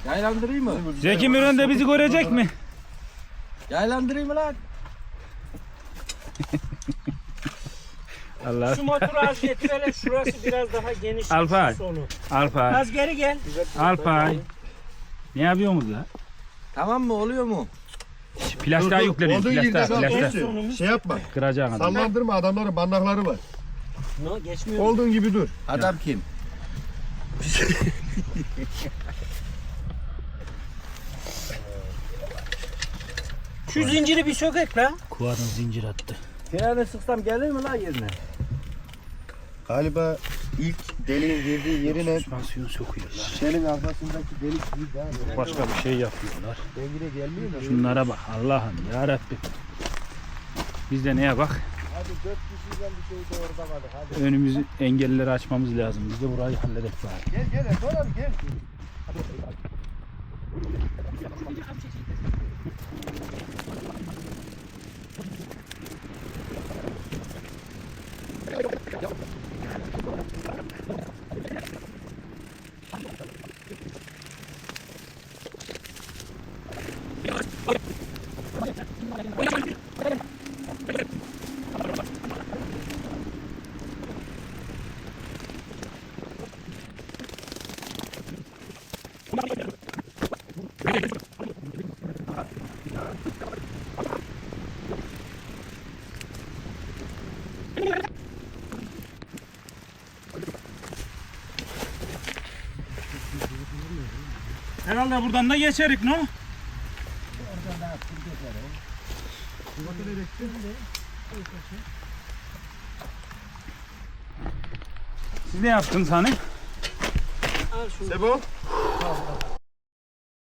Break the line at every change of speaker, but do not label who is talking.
Yaylandırayım mı?
Zeki Müren de bizi görecek mi?
Yaylandırayım mı lan?
Allah.
Şu motoru az getirelim. Şurası biraz daha geniş.
Alpay.
Sonu.
Alpay.
Az geri gel.
Alpay. Ne yapıyorsunuz la?
Tamam mı? Oluyor mu?
Plastik yükleniyor.
Olduğun yerde kal.
Plastik.
Şey yapma.
Kıracağın adam.
Sallandırma, adamların bandakları var.
No, geçmiyor.
Olduğun gibi dur.
Adam kim?
Şu zinciri bir sökek la.
Kuvadan zincir attı.
Freni sıksam gelir mi lan yerine?
Galiba ilk deliğin girdiği yerine
Süspansiyon sokuyorlar.
şişenin arkasındaki delik değil daha.
Başka bir şey yapıyorlar.
Dengine gelmiyor da.
Şunlara bak Allah'ım ya Rabbim. Biz de neye bak?
Hadi 4 kişiden bir şey de orada kaldık. Hadi.
Önümüzü engelleri açmamız lazım. Biz de burayı halledek bari.
Gel gel Erdoğan abi gel.
Herhalde buradan da geçerik no? Siz ne yaptınız hani?
Al şunu.
Sebo.